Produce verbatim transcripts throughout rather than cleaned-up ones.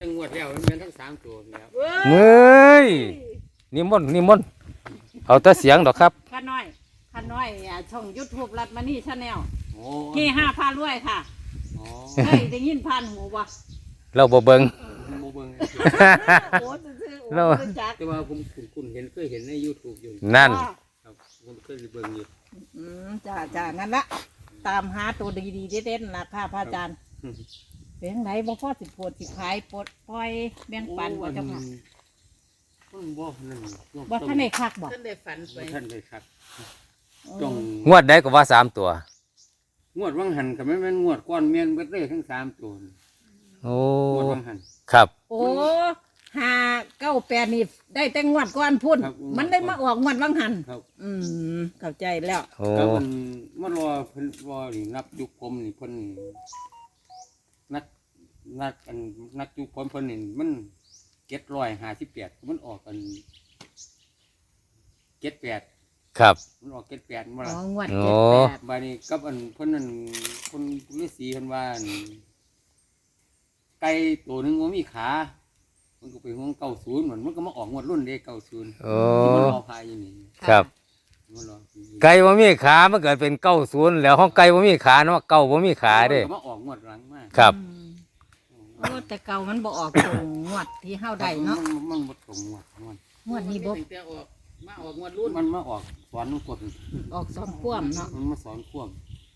ทั้งงวดแล้วมันเป็นทั้งสามตัวแล้วเฮ้ยนิมนต์นิมนต์เอาแต่เสียงดอกครับข้าน้อยข้าน้อยช่องยูทูบรัดมานี่ชาแนลโอ้เฮห้าพารวยค่ะอ๋อเฮ้ยได้ยินผ่านหูบ่เราบ่เบิ่งโมเบิ้งโอ้ซื่อๆโอ้รู้จักแต่ว่าผมคุณเห็นเคยเห็นใน YouTube อยู่นั่นครับผมเคยเบิ่งอยู่อืมจ้าจ้างั้นละตามหาตัวดีๆเด็ดๆนะค่ะพระอาจารย์เป็นยังไงบ่พอสิโพดสิขายปลดปล่อยแบ่งปันบ่เจ้าค่ะมันบ่นั่นบ่ท่านได้คักบ่ท่านได้ฝันไปบ่ท่านได้ครับจงงวดได้ก็ว่าสามตัวงวดวังหันกับแม่นงวดก้อนเมียนเบิดเลยทั้งสามตัวโอ้งวดวังหันครับโอ้ห้าเก้าแปดนี่ได้แต่งวดก่อนพุ่นครับมันได้มาออกงวดวังหันครับอืมเข้าใจแล้วโอ้ก็มันมารอเพิ่นรอนี่นับยุคผมนี่เพิ่นนี่นักนักอันนักยุคผมเพิ่นนี่มันเจ็ดร้อยห้าสิบแปดมันออกกันเจ็ดแปดครับมันออกเจ็ดแปดมาอ๋ละองวดโอ้เจ็ดแปดบาดนี้กับอันเพิ่นนั่นคนฤาษีเพิ่นว่าอั่นไก่ตัวหนึงว่ามีขามันก็ไปห้องเก้าศูนย์เหมือนมันก็มาออกงวดรุ่นเด้เก้าศูนย์โอ้ที่มันรอพายอยู่นี่ครับมันรอไก่บ่มีขามันเกิดเป็นเก้าศูนย์แล้วห้องไก่บ่มีขาเนาะเก้าบ่มีขาเด้มันก็มาออกงวดหลังมากครับอืมโอ้แต่เก่ามันบ่ออกตรงงวดที่เฮาได้เนาะมันมันบ่ตรงงวดงวดงวดนี้บ่ตั้งแต่ออกมาออกงวดรุ่นมันมาออกสอนกดออกสองคว่ำเนาะมันมาสอนควบ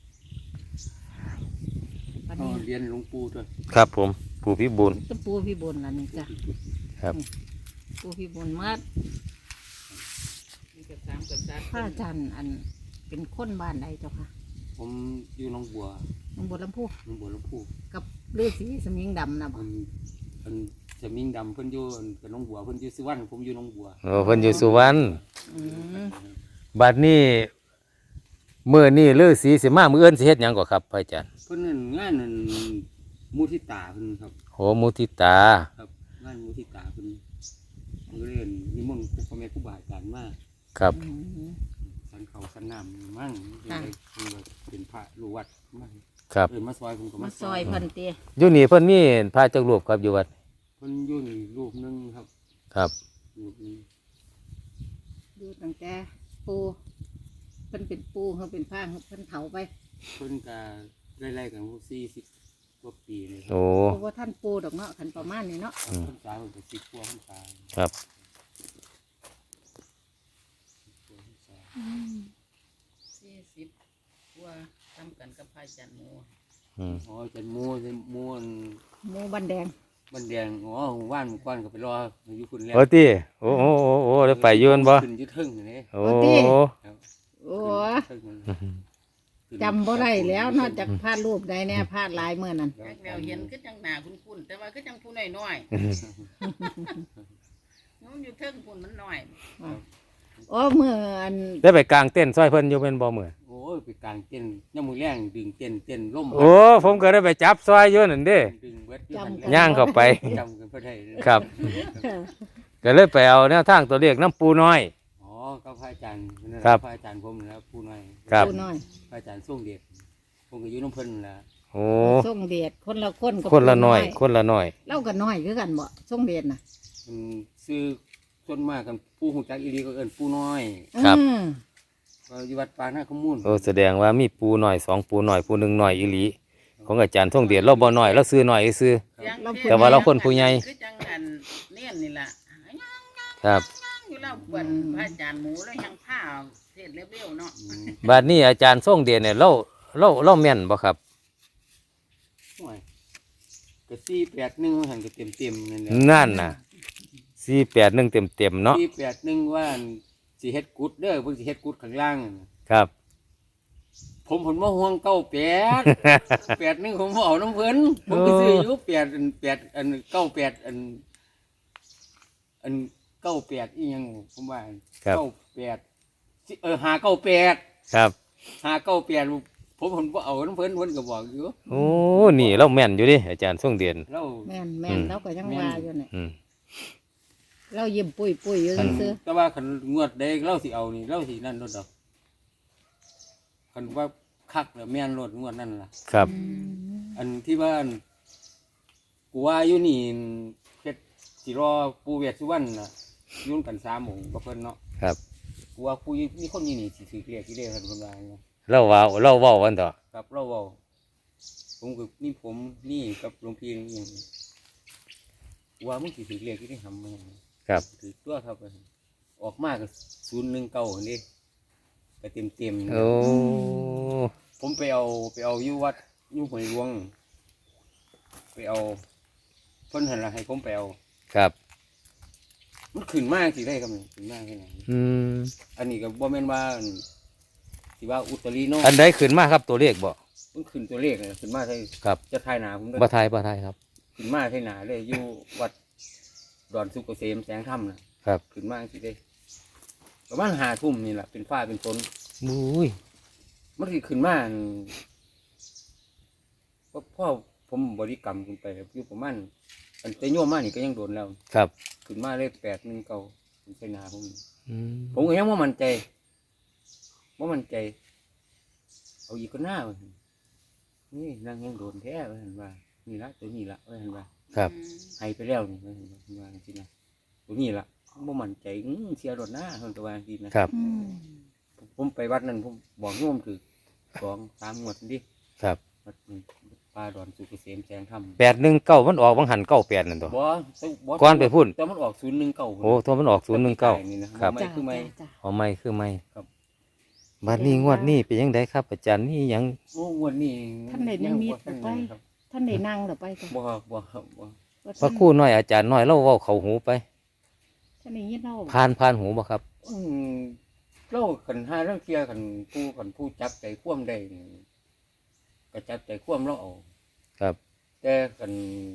วันเอานี้เรียนหลวงปู่ด้วยครับผมผู้พิบูลตะปูพี่บุญล่ะนี่จ้ะครับปูพี่บุญมามีกับสามกับสามพระอาจารย์อันเป็นคนบ้านใดเจ้าค่ะผมอยู่หนองบัวหนองบัวลำพูหนองบัวลำพูกับฤาษีสมิงดำนะบ่มันมันจะมิงดำเพิ่นอยู่อันกับหนองบัวเพิ่นอยู่สุวรรณผมอยู่หนองบัวโอ้เพิ่นอยู่สุวรรณอืมบัดนี้มื้อนี้ฤาษีสิมามื้ออื่นสิเฮ็ดหยังก่อครับพระอาจารย์เพิ่นนั่นงานนั่นมุทิตาเพิ่นครับโหมุทิตาครับงานมุทิตาเพิ่นเพิ่นเรียนนิมนต์ครูพ่อแม่ครูบาอาจารย์มาครับอืมสันเขาสันน้ำมั่งเพิ่นค่ะเลยเพิ่นเลยเป็นพระลูกวัดมั่งครับเอิ้นมาซอยผมก็มามาซอยเพิ่นเตี้ยอยู่นี่เพิ่นมีพระจักรูปครับอยู่วัดเพิ่นอยู่นี่รูปหนึงครับครับรูปหนึงดูตั้งแต่ปูเพิ่นเป็นปูเขาเป็นพระเพิ่นเผาไปเพิ่นก็ไล่ๆกันพวกสี่สิบกว่าปีเลยครับโอ้เพราะว่าท่านปูดอกเนาะคันประมาณนี้เนาะพรรษาเพิ่นก็สิบกว่าพรรษาครับสี่สิบกว่าทำกันกับพระอาจารย์หมูอืมอ๋อจันมูจันมูอันหมูบันแดงบันแดงอ๋อว่านหมู่ก้อนก็ไปรออยู่คุณแล้วโอ้ติโอ้โอ้โอ้โอ้ได้ไปอยืนบ่ขึ้นอยึดทึ่งนี่โอ้ครับโอ้ขึ้นทึ่งขึ้นจำบ่ได้แล้วนอกจากพาดรูปใดแน่พาดลายเมื่อนั้นแรกแล้วเห็นก็จังหนาคุ้นๆแต่ว่าก็จังผู้น้อยๆนู้นอยู่เทิงพุ่นมันน้อยโอ้เมื่ออันได้ไปกลางเต้นท์ซอยเพิ่นอยู่เป็นบ่มื้อโอ้ยไปกลางเต้นย่ำมือแรงดึงเต้นเต้นล่มโอ้ผมก็ได้ไปจับซอยอยู่นั่นเด้ดึงเวทอยู่หั่นแหละย่างเข้าไปจำกันเพื่อไทยครับ ก็เลยไปเอาแนวทางตัวเลขน้ำปูน้อยอ๋อก็พระอาจารย์นั่นแหละครับพระอาจารย์ผมนะผู้น้อยครับปูน้อยพระอาจารย์ส่งเดชผมก็อยู่น้ำเพิ่นนั่นแหละโอ้ส่งเดชคนละคนกับคนละปูน้อย คนละน้อยเล่ากันน้อยคือกันบ่ส่งเดชน่ะมันซื้อส่วนมากกันผู้หูจักอีรีก็เอิ้นผู้น้อยครับอืมก็อยู่วัดปางนาขมูลโอ้แสดงว่ามีปูน้อยสองปูน้อยปูหนึ่งน้อยอีหลีของอาจารย์ท่องเดียดเราบ่น้อยเราซื้อน้อยซื้อ แต่ว่าเราคนผู้ใหญ่คือจังอันเนียนนี่ล่ะครับอยู่แล้วเปิ่นพระอาจารย์หมูแล้วยังผ้าเทศเร็วๆเนาะอืมบัดนี้อาจารย์ท่องเดียดเนี่ยเราเราเราแม่นบ่ครับโอ้ยก็สี่แปดหนึ่งหันก็เต็มเต็มๆนั่นแหละนั่นน่ะสี่แปดหนึ่งเต็มเต็มๆเนาะสี่แปดหนึ่งว่าสิเฮ็ดกุดเด้อเพิ่นสิเฮ็ดกุดข้างล่างนั่นน่ะครับผมผลมาห่วงเก้าแปด แปดหนึ่งผมบ่เอาน้ำเพิ่นผมไปซื้ออยู่แปดอันแปดอันเก้าแปดอันอันเก้าแปดอีหยังผมว่าครับเก้าแปดสิเออหาเก้าแปดครับหาเก้าแปดผมผมบ่เอาน้ำเพิ่นเพิ่นก็บอกอยู่โอ้นี่เราแม่นอยู่ดิอาจารย์ท่องเดียดเราแม่นแม่นเราก็ยังว่าอยู่เนี่ยอืมเรายิ้มปุ้ยปุ้ยอยู่ซื่อแต่ว่าคันงวดใดเราสิเอานี่เราสินั่นรถดอกคันว่าคักแล้วแม่นรถงวดนั่นล่ะครับๆอืมอันที่ว่าอันกูว่าอยู่นี่สิรอปูเวทสุวรรณน่ะอยุ่นกันสามโมงกับเพิ่นเนาะครับกูว่าปูมีคนอยู่นี่สิถือเรียกที่เรียกกันคนว่าเนาะเราว่าเราเว้ากันต่อครับเราเว้าผมกับนี่ผมนี่กับหลวงพี่นี่อย่างว่ามึงสิถือเรียกที่ได้ทำมาครับถือตัวครับออกมาก็ศูนย์หนึ่งเก้าคนนี้ก็เต็มเต็มๆโอ้ผมไปเอาไปเอาอยู่วัดอยู่ห้วยหลวง ไปเอาเพิ่นหันละให้ผมไปเอาครับมันขึ้นมากสิได้ครับนี่ขึ้นมากแค่ไหนอืมอันนี้ก็บ่แม่นว่าอันสิว่าอุตรีโนอันใดขึ้นมาครับตัวเลขบ่มันขึ้นตัวเลขเลยขึ้นมาใช่ครับจะทายหนาผมด้วยบ่ทายบ่ทายครับขึ้นมาใช่หนาเลยอยู่วัดดอนสุกเกษมแสงธรรมนะครับ ขึ้นมาสิได้ประมาณห้าทุ่มนี่แหละเป็นฟ้าเป็นฝนมุ้ยมันสิขึ้นมาอันพ่อพ่อผมบริกรรมขึ้นไปอยู่ประมาณอันแต่โยมมานี่ก็ยังโดนแล้วครับขึ้นมาเลขแปดหนึ่งเก้าเป็นไสนาผมอืมผมก็ยังว่ามั่นใจว่ามั่นใจ เอาอีกก็หน้าว่าซั่นนี่นางยังโดนแท้ว่าเห็นว่านี่ละตัวนี้ละว่าเห็นว่าครับให้ไปแล้วนี่ว่าเห็นว่าเห็นว่าจริงๆนะตัวนี้ละว่ามั่นใจอื้อเสียรถหน้าคนตะวันทีนะครับอืมผมไปวัดนั้นผมบอกโยมถือสองสามงวดดิครับวัดนี้ป่าดอนสุกเกษมแสงธรรมแปดหนึ่งเก้ามันออกวังหันเก้าแปดนั่นตัวบ่บ่ก่อนไปพูดแต่มันออกศูนย์หนึ่งเก้าโอ้ตัวมันออกศูนย์หนึ่งเก้านี่นะครัไม่จ้าคือไม่จ้าเอาไม่คือไม่ครับบัดนี้งวดนี้เป็นยังไงครับ อาจารย์นี่ยังโอ้งวดนี้ท่านได้นิมิตยังบ่ไปทันครับท่านได้นั่งหรือไปจ้ะบ่บ่ครับบ่พระครู่น้อยอาจารย์น้อยเราเว้าเข้าหูไปท่านได้ยินเราผ่านผ่านหูบ่ครับอืมเราขันห้าเรื่องเทียขันผู้ขันผู้จับใจคว่ำได้นี่ก็จับใจคว่ำเราเอาครับแต่ขัน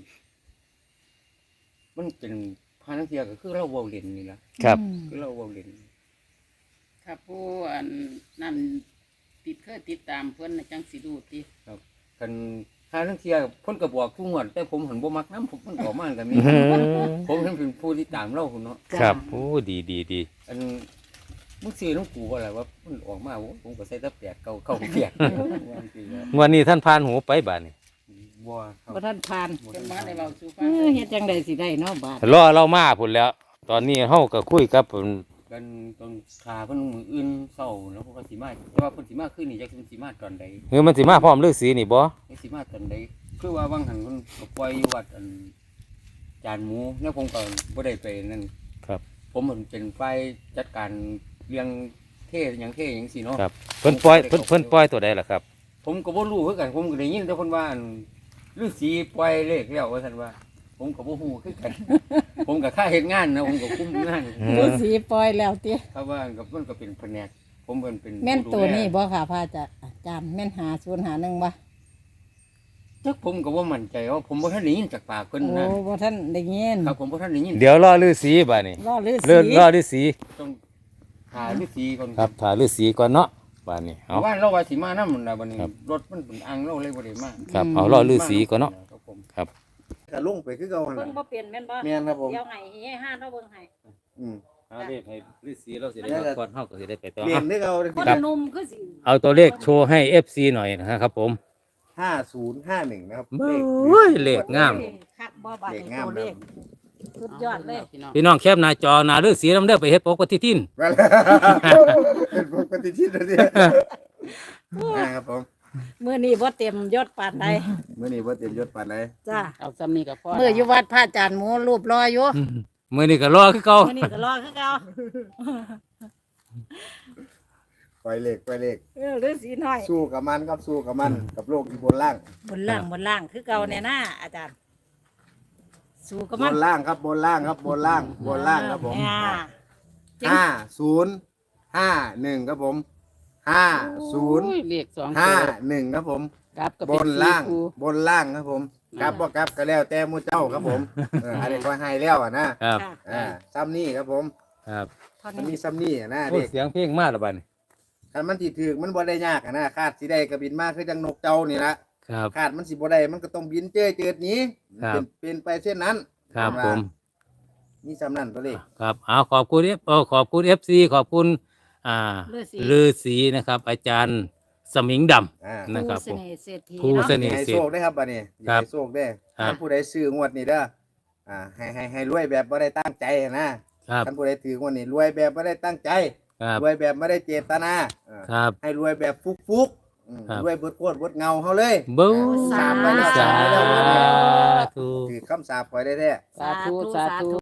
มันเป็นพาเรื่องเทียก็คือเราเว้าเล่นนี่ล่ะครับอืมคือเราเว้าเล่นถ้าผู้อันนั่นติดเคยติดตามเพิ่นน่ะจังสิดูติขันห้าเรื่องเทียเพิ่นก็บอกทุกงวดแต่ผมหันบ่มักน้ำผมมันออกมากันนี้ ผมเห็นเป็นผู้ที่ตามเราคุณเนาะครับโอ้ดีดีดีอันมึงซื้อน้องกูว่าอะไรว่ามันออกมาโอ้ผมก็ใส่แตะแปดเก้าเก้าเปียกงวดนี้ท่านผ่านหูไปบาดนี้บัวครับบ่ท่านผ่านบ่เพิ่นทัมาได้นเว้าสู่ฟัเอง อเฮ็ดจังไดสิได้เนาะบาดรอเรามาพุ่นแล้ว ตอนนี้เฮาก็คุยกับเพิ่นกันตอนขาเพิ่นมืออื่นเศร้าแล้วพวกก็สิมาแต่ว่าเพิ่นสิมาขึ้นนี่จักเพิ่นสิมาตอนใดเฮ้ยมันสิมาพร้อมฤาษีนี่บ่จักสิมาตอนใดคือว่าบางหันเพิ่นก็ปล่อยอยู่วัดอันจานหมูแล้วผมก็บ่ได้ไปนั่นครับผมมันเป็นฝ่ายจัดการเรื่องเทศหยังเทศหยังสิเนาะครับเพิ่นปล่อยเพิ่นเพิ่นปล่อยตัวใดล่ะครับผมก็บ่รู้คือกันผมก็ได้ยินแต่คนว่าอันฤาษีปล่อยเลขแล้วว่าซั่นว่า ผมก็บ่ฮู้คือกัน ผมก็ค่าเฮ็ดงานนะผมก็คุมงานอืมฤาษีปล่อยแล้วติครับว่ากับมันก็เป็นแผนกผมเป็นเป็นแม่นผู้ตัดูวแลนี้บ่ค่ะพระอาจารย์อาจารย์แม่นหาศูนย์หาหนึ่งบ่จักผมก็บ่มั่นใจว่าผมบ่ทันได้ยินจากปากเพิ่นโอ้นะบ่ท่านได้ยินครับผมบ่ทันได้ยินเดี๋ยวรอฤาษีบาดนี้รอฤาษีเลื่อนรอฤาษีต้องหาฤาษีก่อนครับถ่าฤาษีก่อนเนาะบาดนี้เอาว่าเราว่าสิมานำน่ะบัดนี้ครับรถมันเป็นอังเราเลยบ่ได้มาครับเอารอฤาษีก่อนเนาะครับผมครับก็ลงไปคือเก่าหั่นเบิ่ล่ะงบ่เป็นแม่นบ่แม่นครับผมเดี๋ยวให้ให้ห้าเราเบิ่งให้อืมเอาเลขให้ฤาษีเราสิได้ได้ครับก่อนเฮาก็สิได้ไปต่อเรียนคือเก่าเลยคนหนุ่มคือสิเอาตัวเลขโชว์ให้ เอฟ ซี หน่อยนะครับผมห้าศูนย์ห้าหนึ่งนะครับเบ้ยเลขงามคักบ่บาดเลขนี้งามตัวเลขนะสุดยอดเลยพี่น้องพี่น้องแคบหน้าจอหน้าฤาษีนำเด้อไปเฮ็ดปกติทินว่าแล้วเป็นปกติที่นั่นเนี่ยนะครับผมมื้อนี้บ่เต็มยศปานใดเมื่อนี้ว่าเตรียมยศปานไหนจ้าเอาซ้ำนี้ก็พอมื้ออยู่วัดพระอาจารย์หมูรูปรออยู่มื้อนี้ก็รอคือเก่ามื้อนี้ก็รอคือเก่าปล่อยเลขปล่อยเลขเออฤาษีน้อยสู้กับมันครับสู้กับมันกับโลกที่บนล่างบนล่างบนล่างคือเก่าแน่นะอาจารย์ สู้กับบ มันนล่างครับบนล่างครับบนล่างบนล่างครับผมอ่าห้าศูนย์ห้าหนึ่งครับผมห้าศูนย์โอ้เลขสองห้าตัวหนึ่งครับผมกลับก็บเป็นนล่างสี่คู่บนล่างครับผมกลับบ่กลับก็แล้วแต่หมูเจ้าครับผมเอออันนี้ก็ให้แล้วอ่ะนะครับค่ะอ่าซ้ำนี่ครับผมครับเท่ามันนี้มีซ้ำนี่อ่ะนะโอ้เด็กเสียงเพลงมาแล้วบัดนี้คันมันสิถือมันบ่ได้ยากอ่ะนะคาดสิได้ก็บินมาคือจังนกเจ้านี่ละครับคาดมันสิบ่ได้มันก็ต้องบินเจ้ยเจิดหนี้ครับเป็นเป็นไปเช่นนั้นครับผมมีซ้ำนั่นตัวเลขครับเอาขอบคุณเอฟเออขอบคุณ เอฟ ซี ขอบคุณอ่าฤาษีฤาษีนะครับ อาจารย์สมิงดำอ่านะครับผู้เสน่ห์เศรษฐีผู้เนาะเสน่ห์ให้โชคได้ครับบัดนี้ครับให้โชคได้ครับถ้าผู้ใดซื้องวดนี้เด้ออ่าให้ให้ให้รวยแบบไม่ได้ตั้งใจนะครับ ท่านผู้ใดถือวันนี้รวยแบบไม่ได้ตั้งใจครับรวยแบบไม่ได้เจตนาอ่าครับให้รวยแบบฟุกฟุกๆอืมครับรวยเบิดโคตรเบิดเงาเขาเลยบูสาธุสาธุถือคำสาปปล่อยได้แท้สาธุสาธุ